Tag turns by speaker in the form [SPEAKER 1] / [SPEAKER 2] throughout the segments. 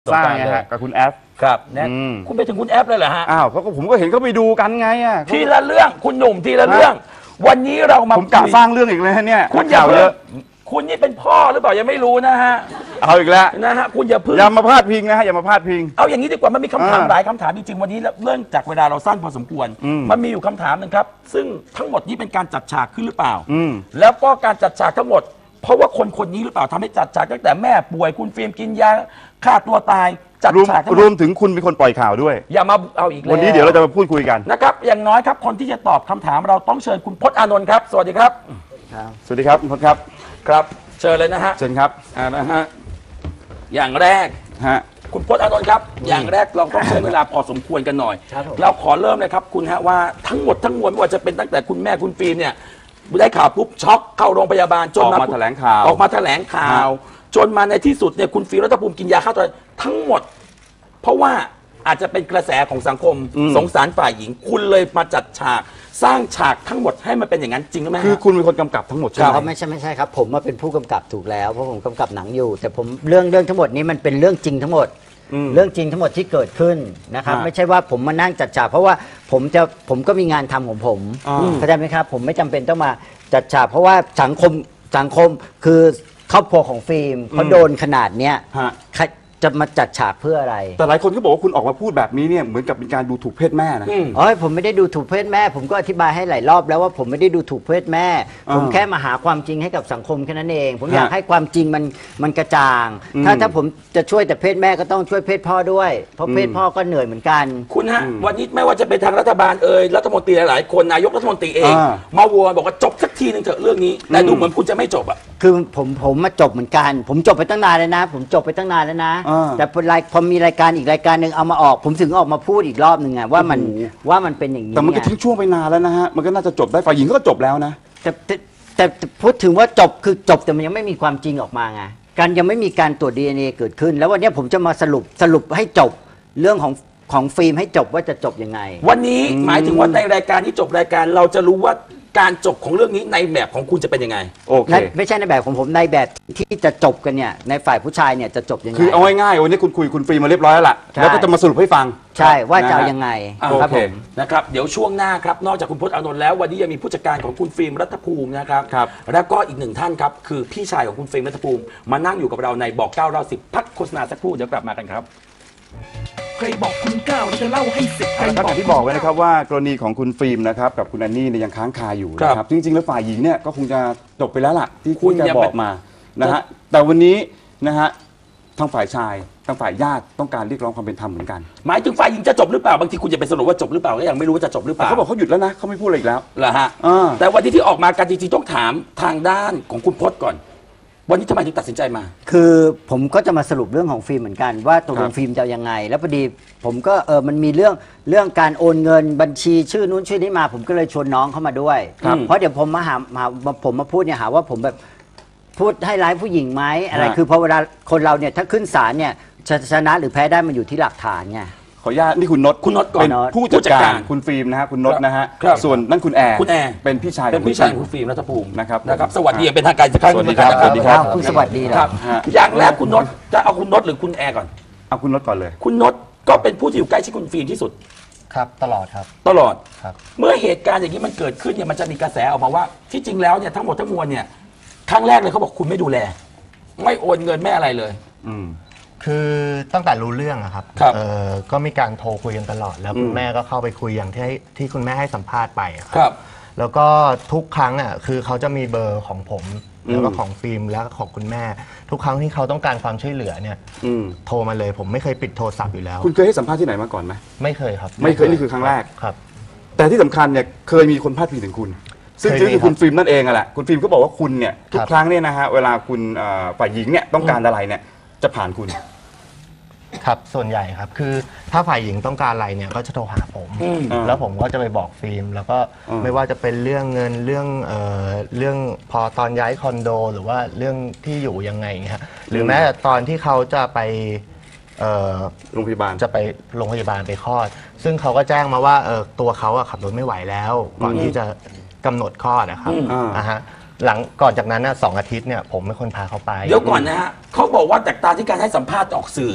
[SPEAKER 1] สร้างไงฮะกับคุณแอฟ
[SPEAKER 2] ครับเนี่ยคุณไปถึงคุณแอฟเลยเหรอฮะ
[SPEAKER 1] อ้าวเขาก็ผมก็เห็นเขาไปดูกันไงอ่ะ
[SPEAKER 2] ทีละเรื่องคุณหนุ่มทีละเรื่องวันนี้เรามา
[SPEAKER 1] ผมกะสร้างเรื่องอีกเลยเนี่ย
[SPEAKER 2] คุณอย่าเยอะคุณนี่เป็นพ่อหรือเปล่ายังไม่รู้นะฮะ
[SPEAKER 1] เอาอีกแล้ว
[SPEAKER 2] นะฮะคุณอย่าพึ่ง
[SPEAKER 1] อย่ามาพาดพิงนะฮะอย่ามาพาดพิง
[SPEAKER 2] เอาอย่างนี้ดีกว่ามันมีคำถามหลายคำถามจริงๆวันนี้เรื่องจากเวลาเราสั้นพอสมควรมันมีอยู่คำถามหนึ่งครับซึ่งทั้งหมดนี้เป็นการจัดฉากขึ้นหรือเปล่าแล้วก็การจัดฉากทั้งหมดเพราะว่าคนนี้หรือเปล่าทำให้จัดฉากตั้งแต่แม่ป่วยคุณฟิล์มกินยาฆ่าตัวตายจัดฉาก
[SPEAKER 1] รวมถึงคุณเป็นคนปล่อยข่าวด้วย
[SPEAKER 2] อย่ามาเอาอีกแล้ว
[SPEAKER 1] วันนี้เดี๋ยวเราจะมาพูดคุยกัน
[SPEAKER 2] นะครับอย่างน้อยครับคนที่จะตอบคำถามเราต้องเชิญคุณพจน์อานนท์ครับสวัสดีครับ
[SPEAKER 1] สวัสดีครับคุณพจน์ครับ
[SPEAKER 2] ครับเชิญเลยนะฮะ
[SPEAKER 1] เชิญครับ
[SPEAKER 2] นะฮะอย่างแรกคุณพจน์อานนท์ครับอย่างแรกเราต้องใช้เวลาพอสมควรกันหน่อยเราขอเริ่มเลยครับคุณฮะว่าทั้งหมดทั้งมวลไม่ว่าจะเป็นตั้งแต่คุณแม่คุณฟิล์มเนี่ยได้ข่าวปุ๊บช็อกเข้าโรงพยาบาล
[SPEAKER 1] จนมาแถลงข่าว
[SPEAKER 2] ออกมาแถลงข่าวจนมาในที่สุดเนี่ยคุณฟิล์มรัตภูมิกินยาฆ่าตัวตายทั้งหมดเพราะว่าอาจจะเป็นกระแสของสังคมสงสารฝ่ายหญิงคุณเลยมาจัดฉากสร้างฉากทั้งหมดให้มันเป็นอย่างนั้นจริงหรือไม่
[SPEAKER 1] คือคุณเป็นคนกำกับทั้งหมดใช่ไหม
[SPEAKER 3] ไม่ใช่ครับผมมาเป็นผู้กำกับถูกแล้วเพราะผมกำกับหนังอยู่แต่ผมเรื่องทั้งหมดนี้มันเป็นเรื่องจริงทั้งหมดเรื่องจริงทั้งหมดที่เกิดขึ้นนะครับไม่ใช่ว่าผมมานั่งจัดฉากเพราะว่าผมก็มีงานทำของผมเข้าใจไหมครับผมไม่จำเป็นต้องมาจัดฉากเพราะว่าสังคมคือครอบครัวของฟิล์มเขาโดนขนาดเนี้ยจะมาจัดฉากเพื่ออะไร
[SPEAKER 1] แต่หลายคนก็บอกว่าคุณออกมาพูดแบบนี้เนี่ยเหมือนกับเป็นการดูถูกเพศแม่นะ
[SPEAKER 3] ผมไม่ได้ดูถูกเพศแม่ผมก็อธิบายให้หลายรอบแล้วว่าผมไม่ได้ดูถูกเพศแม่ผมแค่มาหาความจริงให้กับสังคมแค่นั้นเองผมอยากให้ความจริงมันกระจ่างถ้าผมจะช่วยแต่เพศแม่ก็ต้องช่วยเพศพ่อด้วยเพราะเพศพ่อก็เหนื่อยเหมือนกัน
[SPEAKER 2] คุณฮะวันนี้ไม่ว่าจะเป็นทางรัฐบาลรัฐมนตรีหลายๆคนนายกรัฐมนตรีเองมาวัวบอกว่าจบสักทีนึงเถอะเรื่องนี้แต่ดูเหมือนคุณจะไม่จบอ่ะ
[SPEAKER 3] คือผมมาจบเหมือนกันผมจบไปตั้งนานแล้วนะผมจบไปตั้งนานแล้วนะแต่พอมีรายการอีกรายการหนึ่งเอามาออกผมถึงออกมาพูดอีกรอบหนึ่งไงว่ามันเป็นอย่างนี้
[SPEAKER 1] แต่มันก็ทิ้งช่วงไปนานแล้วนะฮะมันก็น่าจะจบได้ฝ่ายหญิงก็จบแล้วนะ
[SPEAKER 3] แต่พูดถึงว่าจบคือจบแต่มันยังไม่มีความจริงออกมาไงการยังไม่มีการตรวจ DNA เกิดขึ้นแล้ววันนี้ผมจะมาสรุปให้จบเรื่องของฟิล์มให้จบว่าจะจบยังไง
[SPEAKER 2] วันนี้หมายถึงว่าในรายการที่จบรายการเราจะรู้ว่าการจบของเรื่องนี้ในแบบของคุณจะเป็นยังไง
[SPEAKER 3] โอเคไม่ใช่ในแบบของผมในแบบที่จะจบกันเนี่ยในฝ่ายผู้ชายเนี่ยจะจบยังไง
[SPEAKER 1] คือเอาง่ายๆวันนี้คุณคุยคุณฟิล์มมาเรียบร้อยแล้วล่ะแล้วก็จะมาสรุปให้ฟัง
[SPEAKER 3] ใช่ว่าจะยังไง
[SPEAKER 2] ครับผมนะครับเดี๋ยวช่วงหน้าครับนอกจากคุณพจน์อานนท์แล้ววันนี้ยังมีผู้จัดการของคุณฟิล์มรัฐภูมินะครับแล้วก็อีกหนึ่งท่านครับคือพี่ชายของคุณฟิล์มรัฐภูมิมานั่งอยู่กับเราในบอก9เรา10พักโฆษณาสักครู่เดี๋ยวกลับมากันครับ
[SPEAKER 4] ใครบอกคุณก้าวจะเล่าให้สิบใคร
[SPEAKER 1] บอกอย่างที่บอกไว้นะครับว่ากรณีของคุณฟิล์มนะครับกับคุณแอนนี่เนี่ยยังค้างคาอยู่นะครับจริงๆแล้วฝ่ายหญิงเนี่ยก็คงจะจบไปแล้วล่ะที่คุณจะบอกมานะฮะแต่วันนี้นะฮะทางฝ่ายชายทางฝ่ายญาติต้องการเรียกร้องความเป็นธรรมเหมือนกัน
[SPEAKER 2] หมายถึงฝ่ายหญิงจะจบหรือเปล่าบางทีคุณจะไปสรุปว่าจบหรือเปล่าก็ยังไม่รู้ว่าจะจบหรือเปล่า
[SPEAKER 1] เขาบอกเขาหยุดแล้วนะเขาไม่พูดอะไรอีกแล้ว
[SPEAKER 2] เหรอฮะแต่วันนี้ที่ออกมากันจริงๆต้องถามทางด้านของคุณพจน์ก่อนวันนี้ทำไมถึงตัดสินใจมา
[SPEAKER 3] คือผมก็จะมาสรุปเรื่องของฟิล์มเหมือนกันว่าตกลงฟิล์มจะยังไงแล้วพอดีผมก็มันมีเรื่องการโอนเงินบัญชีชื่อนู้นชื่อนี้มาผมก็เลยชวนน้องเข้ามาด้วยเพราะเดี๋ยวผมมาพูดเนี่ยหาว่าผมแบบพูดให้ร้ายผู้หญิงไหมอะไรคือพอเวลาคนเราเนี่ยถ้าขึ้นศาลเนี่ยชนะหรือแพ้ได้มันอยู่ที่หลักฐานไง
[SPEAKER 1] ขออนุญาตนี่คุณนศ
[SPEAKER 2] ก่อน
[SPEAKER 1] เป็นผู้จัดการคุณฟิล์มนะฮะคุณนศนะฮะส่วนนั่นคุณแอร์เป็นพี่ชาย
[SPEAKER 2] เป็นพี่ชายคุณฟิล์มรัฐภูมิ
[SPEAKER 1] นะครับ
[SPEAKER 2] สวัสดีเป็นทางการ
[SPEAKER 1] สวัสดีครับ
[SPEAKER 3] สวัสดีครับคุณสวัสดี
[SPEAKER 2] ครับอย่างแรกคุณนศจะเอาคุณนศหรือคุณแอร์ก่อน
[SPEAKER 1] เอาคุณนศก่อนเลย
[SPEAKER 2] คุณนศก็เป็นผู้ที่อยู่ใกล้ชิดคุณฟิล์มที่สุด
[SPEAKER 5] ครับตลอดครับ
[SPEAKER 2] ตลอด
[SPEAKER 5] ครับ
[SPEAKER 2] เมื่อเหตุการณ์อย่างนี้มันเกิดขึ้นเนี่ยมันจะมีกระแสออกมาว่าที่จริงแล้วเนี่ยทั้งหมดทั้งมวลเนี่ยครั้งแรกเลยเขาบอกคุณไม่ดูแลไม่โอนเงินไม่อะไรเลย
[SPEAKER 5] คือตั้งแต่รู้เรื่องอะครับก็มีการโทรคุยกันตลอดแล้วคุณแม่ก็เข้าไปคุยอย่างที่คุณแม่ให้สัมภาษณ์ไปครับแล้วก็ทุกครั้งอะคือเขาจะมีเบอร์ของผมแล้วก็ของฟิล์มแล้วก็ของคุณแม่ทุกครั้งที่เขาต้องการความช่วยเหลือเนี่ยโทรมาเลยผมไม่เคยปิดโทรศัพท์อยู่แล้ว
[SPEAKER 1] คุณเคยให้สัมภาษณ์ที่ไหนมาก่อนไหม
[SPEAKER 5] ไม่เคยครับ
[SPEAKER 1] ไม่เคยนี่คือครั้งแรก
[SPEAKER 5] ครับ
[SPEAKER 1] แต่ที่สำคัญเนี่ยเคยมีคนพาดพิงถึงคุณซึ่งคือคุณฟิล์มนั่นเองอะแหละคุณฟิล์มก็บอกว่าคุณเนี่ยทุกครั้งเนี่ยนะฮะเวลาคุณฝ่ายหญิงเนี่ยต้องการอะไรเนี่ยจะผ่านคุณ
[SPEAKER 5] ครับส่วนใหญ่ครับคือถ้าฝ่ายหญิงต้องการอะไรเนี่ยก็จะโทรหาผมแล้วผมก็จะไปบอกฟิล์มแล้วก็ไม่ว่าจะเป็นเรื่องเงินเรื่องพอตอนย้ายคอนโดหรือว่าเรื่องที่อยู่ยังไงเงี้ยหรือแม้แต่ตอนที่เขาจะไป
[SPEAKER 1] โรงพยาบาล
[SPEAKER 5] จะไปโรงพยาบาลไปคลอดซึ่งเขาก็แจ้งมาว่าตัวเขาขับรถไม่ไหวแล้วก่อนที่จะกำหนดคลอดนะครับหลังก่อนจากนั้น2 อาทิตย์เนี่ยผมเป็นคนพาเขาไป
[SPEAKER 2] เดี๋ยวก่อนนะฮะเขาบอกว่าจากตาที่การให้สัมภาษณ์ออกสื่อ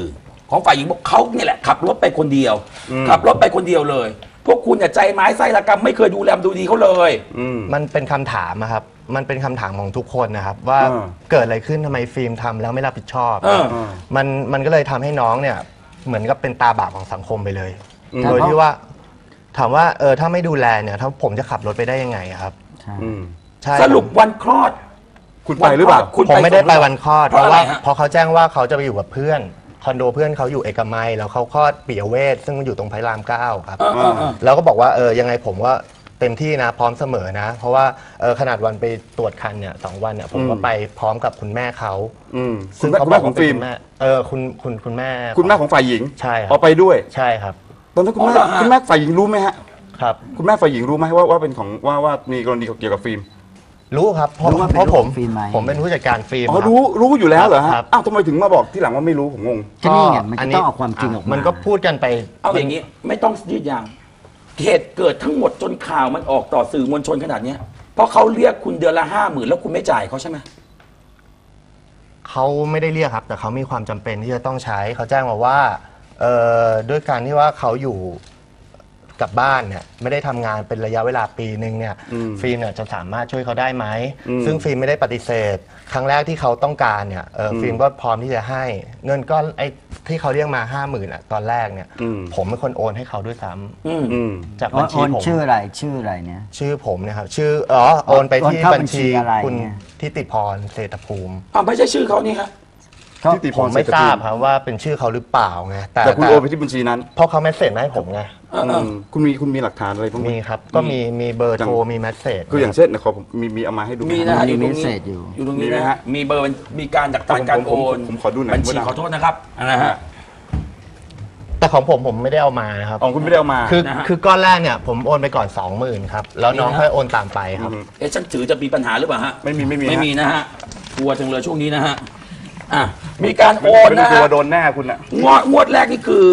[SPEAKER 2] ของฝ่ายหญิงบอกเขาเนี่ยแหละขับรถไปคนเดียวขับรถไปคนเดียวเลย พวกคุณเนี่ยใจไม้ไส้ระกำไม่เคยดูแลดูดีเขาเลย
[SPEAKER 5] มันเป็นคำถามอะครับมันเป็นคำถามของทุกคนนะครับว่าเกิดอะไรขึ้นทำไมฟิล์มทำแล้วไม่รับผิดชอบมันก็เลยทำให้น้องเนี่ยเหมือนกับเป็นตาบาปของสังคมไปเลยโดยที่ว่าถามว่าถ้าไม่ดูแลเนี่ยถ้าผมจะขับรถไปได้ยังไงครับใช่
[SPEAKER 2] สรุปวันคลอด
[SPEAKER 1] คุณไปหรือเปล่า
[SPEAKER 5] ผมไม่ได้ไปวันคลอดเพราะว่าพอเขาแจ้งว่าเขาจะไปอยู่กับเพื่อนคอนโดเพื่อนเขาอยู่เอกมัยแล้วเขาคลอดปิยเวชซึ่งมันอยู่ตรงพระราม9ครับแล้วก็บอกว่ายังไงผมว่าเต็มที่นะพร้อมเสมอนะเพราะว่าขนาดวันไปตรวจคันเนี่ย2 วันเนี่ยผมก็ไปพร้อมกับคุณแม่เขา
[SPEAKER 1] ซึ่งเขาบอกของฟิล์ม
[SPEAKER 5] คุณแม่
[SPEAKER 1] ของฝ่ายหญิง
[SPEAKER 5] ใช่ครับ
[SPEAKER 1] เอาไปด้วย
[SPEAKER 5] ใช่ครับ
[SPEAKER 1] ตอนนั้นคุณแม่ฝ่ายหญิงรู้ไหมฮะ
[SPEAKER 5] ครับ
[SPEAKER 1] คุณแม่ฝ่ายหญิงรู้ไหมว่าเป็นของว่ามีกรณีเกี่ยวกับฟิล์ม
[SPEAKER 5] รู้ครับเพราะผมเป็นผู้จัดการฟิล์ม
[SPEAKER 1] รู้อยู่แล้วเหรอฮะอ้าวทำไมถึงมาบอกที่หลังว่าไม่รู้ผมงง
[SPEAKER 3] ก็นี่ไงมันต้องเอาความจริงออก
[SPEAKER 5] มันก็พูดกันไป
[SPEAKER 2] เอาอย่างนี้ไม่ต้องยืดยาวเหตุเกิดทั้งหมดจนข่าวมันออกต่อสื่อมวลชนขนาดนี้เพราะเขาเรียกคุณเดือนละ50,000แล้วคุณไม่จ่ายเขาใช่ไหม
[SPEAKER 5] เขาไม่ได้เรียกครับแต่เขามีความจำเป็นที่จะต้องใช้เขาแจ้งมาว่าด้วยการที่ว่าเขาอยู่กับบ้านเนี่ยไม่ได้ทำงานเป็นระยะเวลาปีนึงเนี่ยฟิล์มเนี่ยจะสามารถช่วยเขาได้ไหมซึ่งฟิล์มไม่ได้ปฏิเสธครั้งแรกที่เขาต้องการเนี่ยฟิล์มก็พร้อมที่จะให้เงินก็ไอ้ที่เขาเรียกมา50,000อ่ะตอนแรกเนี่ยผมเป็นคนโอนให้เขาด้วยซ้ำจากบัญชีผม
[SPEAKER 3] ชื่ออะไรเนี่ย
[SPEAKER 5] ชื่อผมเนี่ยครับชื่อโอนไปที่บัญชีคุณทิติพรเศรษฐภูมิ
[SPEAKER 2] ไม่ใช่ชื่อเขานี่ฮะ
[SPEAKER 5] ผมไม่ทราบครับว่าเป็นชื่อเขาหรือเปล่าไง
[SPEAKER 1] แต่คุณโอนไปที่บัญชีนั้น
[SPEAKER 5] เพราะเขาเมสเสจมาให้ผมไง
[SPEAKER 1] คุณมีหลักฐานอะไรบ้าง
[SPEAKER 5] มีครับก็มีเบอร์โทรมีเมสเสจ
[SPEAKER 1] คืออย่างเช่นขอมีเอามาให้ดู
[SPEAKER 2] มีนะมีเมสเสจอยู่ตรงนี้นะฮะมีเบอร์มีการจากการโอน
[SPEAKER 1] ผมขอดูหน่อย
[SPEAKER 2] บัญชีขอโทษนะครับนะฮะ
[SPEAKER 5] แต่ของผมไม่ได้เอามานะครับ
[SPEAKER 1] คุณไม่ได้เอามา
[SPEAKER 5] คือก้อนแรกเนี่ยผมโอนไปก่อน 20,000ครับแล้วน้องค่อยโอนตามไปครับ
[SPEAKER 2] ฉันถือจะมีปัญหาหรือเปล่าฮะ
[SPEAKER 1] ไม่มี
[SPEAKER 2] นะฮะกลัวจังเลยช่วงนี้นะฮะมีการโอนนะฮะ
[SPEAKER 1] โดนแน่คุณอะ
[SPEAKER 2] งวดแรกนี่คือ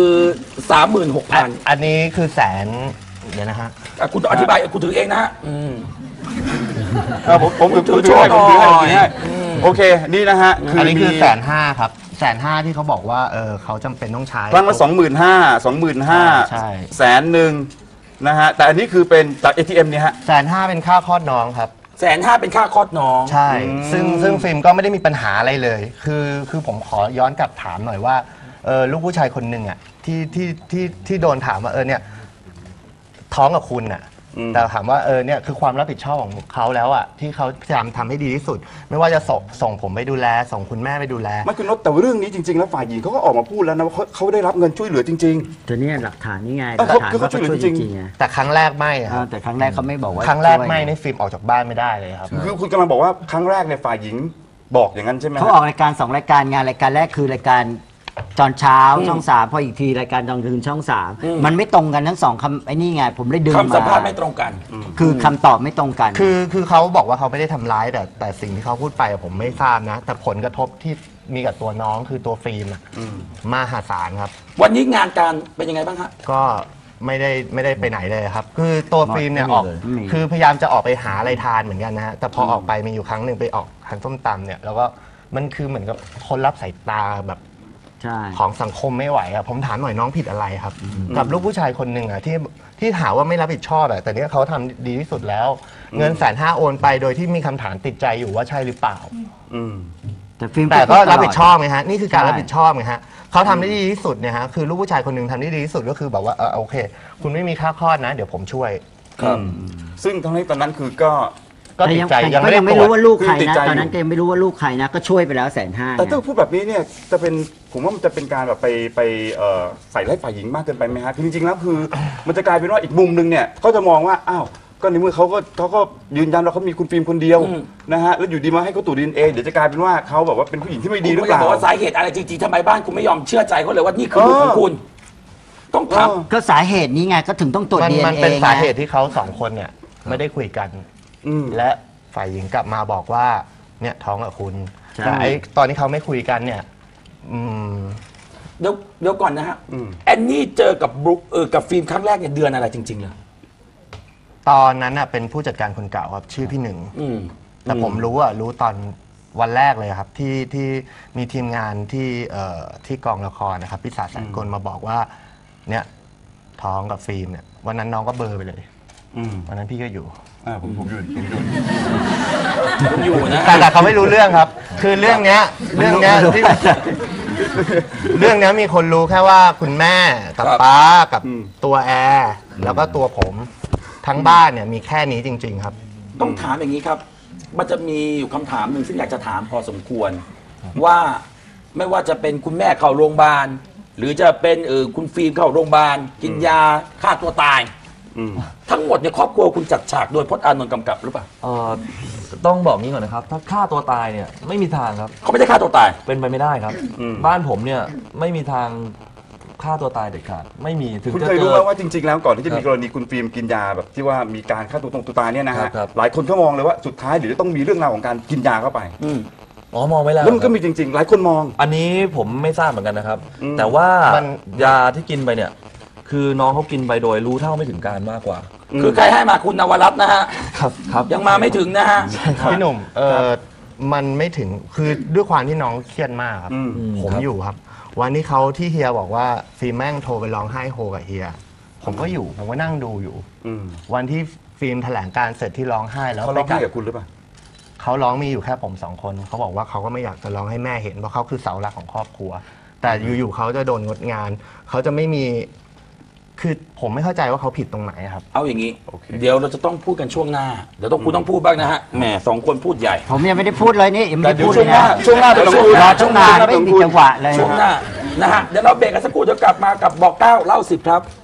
[SPEAKER 2] 36,000
[SPEAKER 5] อันนี้คือแสนเดี๋ยวนะฮะ
[SPEAKER 2] คุณอธิบายคุณถือเองนะฮะ
[SPEAKER 1] ผมถือให้โอเคนี่นะฮะ
[SPEAKER 5] อันนี้คือ150,000ครับ150,000ที่เขาบอกว่าเขาจำเป็นต้องใช้
[SPEAKER 1] ครั้งละ25,000ใช่100,000นะฮะแต่อันนี้คือเป็นจาก ATM เนี่ยฮะ
[SPEAKER 5] 150,000เป็นค่าคลอดน้องครับ
[SPEAKER 2] 150,000เป็นค่าคลอดน้อง
[SPEAKER 5] ใช่ซึ่งฟิล์มก็ไม่ได้มีปัญหาอะไรเลยคือผมขอย้อนกลับถามหน่อยว่าลูกผู้ชายคนหนึ่งอ่ะที่โดนถามว่าเนี่ยท้องกับคุณอ่ะแต่ถามว่าเนี่ยคือความรับผิดชอบของเขาแล้วอ่ะที่เขาพยายามทำให้ดีที่สุดไม่ว่าจะส่งผมไปดูแลส่งคุณแม่ไปดูแล
[SPEAKER 1] ไม่คุณนพแต่เรื่องนี้จริงๆแล้วฝ่ายหญิงเขาก็ออกมาพูดแล้วนะว่าเขาได้รับเงินช่วยเหลือจริง
[SPEAKER 3] ๆแต่เนี่ยหลักฐานนี่ไง
[SPEAKER 1] หลักฐานเขาช่วยเหลือจริง
[SPEAKER 5] ๆแต่ครั้งแรกไม่
[SPEAKER 3] แต่ครั้งแรกเขาไม่บอกว่า
[SPEAKER 5] ครั้งแรกไม่ในฟิล์มออกจากบ้านไม่ได้เลยครับ
[SPEAKER 1] คือคุณกำลังบอกว่าครั้งแรกเนี่ยฝ่ายหญิงบอกอย่างนั้นใช่ไหม
[SPEAKER 3] เขาออกรายการ2 รายการงานรายการแรกคือรายการตอนเช้าช่อง3พออีกทีรายการตอนคืนช่อง3มันไม่ตรงกันทั้ง2คำไอ้นี่ไงผมเลยดึงมา
[SPEAKER 2] คำสัมภาษณ์ไม่ตรงกัน
[SPEAKER 3] คือคำตอบไม่ตรงกัน
[SPEAKER 5] คือเขาบอกว่าเขาไม่ได้ทำร้ายแต่สิ่งที่เขาพูดไปผมไม่ทราบนะแต่ผลกระทบที่มีกับตัวน้องคือตัวฟิล์มมหาศาลครับ
[SPEAKER 2] วันนี้งานการเป็นยังไงบ้างฮะ
[SPEAKER 5] ก็ไม่ได้ไปไหนเลยครับคือตัวฟิล์มเนี่ยออกคือพยายามจะออกไปหาอะไรทานเหมือนกันนะฮะแต่พอออกไปมีอยู่ครั้งหนึ่งไปออกทานส้มตำเนี่ยแล้วก็มันคือเหมือนกับคนรับสายตาแบบของสังคมไม่ไหวครับผมถามหน่อยน้องผิดอะไรครับกับลูกผู้ชายคนหนึ่งอ่ะที่ถามว่าไม่รับผิดชอบแต่เนี้ยเขาทำดีที่สุดแล้วเงิน150,000โอนไปโดยที่มีคำถามติดใจอยู่ว่าใช่หรือเปล่าแต่ก็รับผิดชอบไงฮะนี่คือการรับผิดชอบไงฮะเขาทำได้ดีที่สุดเนี่ยฮะคือลูกผู้ชายคนหนึ่งทำได้ดีที่สุดก็คือแบบว่าโอเคคุณไม่มีค่าคลอดนะเดี๋ยวผมช่วย
[SPEAKER 1] ซึ่งทั้งนี้ตอนนั้นคือก็
[SPEAKER 3] ติดใจยังไม่รู้ว่าลูกใครนะตอนนั้นก็ยังไม่รู้ว่าลูกใครนะก็ช่วยไปแล้ว150,000
[SPEAKER 1] แต่ถ้าพูดแบบนี้เนี่ยจะเป็นผมว่ามันจะเป็นการแบบไปใส่ร้ายฝ่ายหญิงมากเกินไปไหมฮะจริงๆแล้วคือมันจะกลายเป็นว่าอีกมุมนึงเนี่ยก็จะมองว่าอ้าวก็ในเมื่อเขาก็ยืนยันว่าเขามีคุณฟิล์มคนเดียวนะฮะแล้วอยู่ดีมาให้เขาตรวจ DNA เดี๋ยวจะกลายเป็นว่าเขาแบบว่าเป็นผู้หญิงที่ไม่ดีหรือเปล่า
[SPEAKER 2] บอกว่าสาเหตุอะไรจริงๆทำไมบ้านคุณไม่ยอมเชื่อใจเขาเลยว่านี่คือลูกของคุณต้องท
[SPEAKER 3] ำก็สาเหตุนี้ไงก็ถึงต้องตรวจ DNA
[SPEAKER 5] มันเป็นสาเหตุที่เขา2 คนเนี่ยไม่ได้คุยกันและฝ่ายหญิงกลับมาบอกว่าเนี่ยท้องกับคุณแต่ตอนที่เขาไม่คุยกันเนี่ย
[SPEAKER 2] เดี๋ยวก่อนนะฮะแอนนี่เจอกับบุ๊กกับฟิล์มครั้งแรกเนี่ยเดือนอะไรจริงๆเลย
[SPEAKER 5] ตอนนั้นเป็นผู้จัดการคนเก่าครับชื่อพี่หนึ่งแต่ผมรู้ตอนวันแรกเลยครับที่มีทีมงานที่กองละครนะครับพี่ศาสแสนกลมาบอกว่าเนี่ยท้องกับฟิล์มเนี่ยวันนั้นน้องก็เบลอไปเลยวันนั้นพี่ก็อยู่
[SPEAKER 1] ผมอยู่
[SPEAKER 5] แต่เขาไม่รู้เรื่องครับ คือเรื่องเนี้ยที่เรื่องเนี้ยมีคนรู้แค่ว่าคุณแม่กับป้ากับตัวแอร์แล้วก็ตัวผมทั้งบ้านเนี่ยมีแค่นี้จริง ๆ ครับ
[SPEAKER 2] ต้องถามอย่างนี้ครับมันจะมีอยู่คำถามหนึ่งซึ่งอยากจะถามพอสมควรว่าไม่ว่าจะเป็นคุณแม่เข้าโรงพยาบาลหรือจะเป็นคุณฟิล์มเข้าโรงพยาบาลกินยาฆ่าตัวตายทั้งหมดในครอบครัวคุณจัดฉากโดยพจน์อานนท์กำกับหรือเปล่า
[SPEAKER 6] ต้องบอกงี้ก่อนนะครับถ้าฆ่าตัวตายเนี่ยไม่มีทางครับ
[SPEAKER 2] เขาไม่ได้ฆ่าตัวตาย
[SPEAKER 6] เป็นไปไม่ได้ครับบ้านผมเนี่ยไม่มีทางฆ่าตัวตายเด็ดขาดไม่มีถึง
[SPEAKER 1] คุณเคยรู้ไหมว่าจริงๆแล้วก่อนที่จะมีกรณีคุณฟิล์มกินยาแบบที่ว่ามีการฆ่าตัวตายเนี่ยนะฮะหลายคนก็มองเลยว่าสุดท้ายหรือต้องมีเรื่องราวของการกินยาเข้าไป
[SPEAKER 6] มองไว้แล้ว
[SPEAKER 1] แล้วมันก็มีจริงๆหลายคนมอง
[SPEAKER 6] อันนี้ผมไม่ทราบเหมือนกันนะครับแต่ว่ายาที่กินไปเนี่ยคือน้องเขากินไปโดยรู้เท่าไม่ถึงการมากกว่า
[SPEAKER 2] คือใครให้มาคุณนวรัตน์นะฮะ
[SPEAKER 6] ครับ
[SPEAKER 2] ยังมาไม่ถึงนะฮะ
[SPEAKER 5] พี่หนุ่มมันไม่ถึงคือด้วยความที่น้องเครียดมากครับผมอยู่ครับวันที่เขาที่เฮียบอกว่าฟิล์มแม่งโทรไปร้องไห้โฮกับเฮียผมก็อยู่ผมก็นั่งดูอยู่วันที่ฟิล์มแถลงการเสร็จที่ร้องไห้แล้ว
[SPEAKER 1] เขาร้องไห้กับคุณหรือเปล่า
[SPEAKER 5] เขาร้องมีอยู่แค่ผม2 คนเขาบอกว่าเขาก็ไม่อยากจะร้องให้แม่เห็นเพราะเขาคือเสาหลักของครอบครัวแต่อยู่ๆเขาจะโดนงดงานเขาจะไม่มีคือผมไม่เข้าใจว่าเขาผิดตรงไหนครับ
[SPEAKER 2] เอาอย่างนี้เดี๋ยวเราจะต้องพูดกันช่วงหน้าเดี๋ยวคุณต้องพูดบ้างนะฮะแหม2 คนพูดใหญ่
[SPEAKER 3] ผมยังไม่ได้พูดเลยนี่ยังไม่ได้พูด
[SPEAKER 1] เลยนะช่วงหน้าเดี๋ยวเราพูด
[SPEAKER 3] รอช่วงหน้าไม่มีจังหวะเลย
[SPEAKER 2] ช่วงหน้านะฮะเดี๋ยวเราเบรกกันสักครู่เดี๋ยวกลับมากับบอก9เล่า10ครับ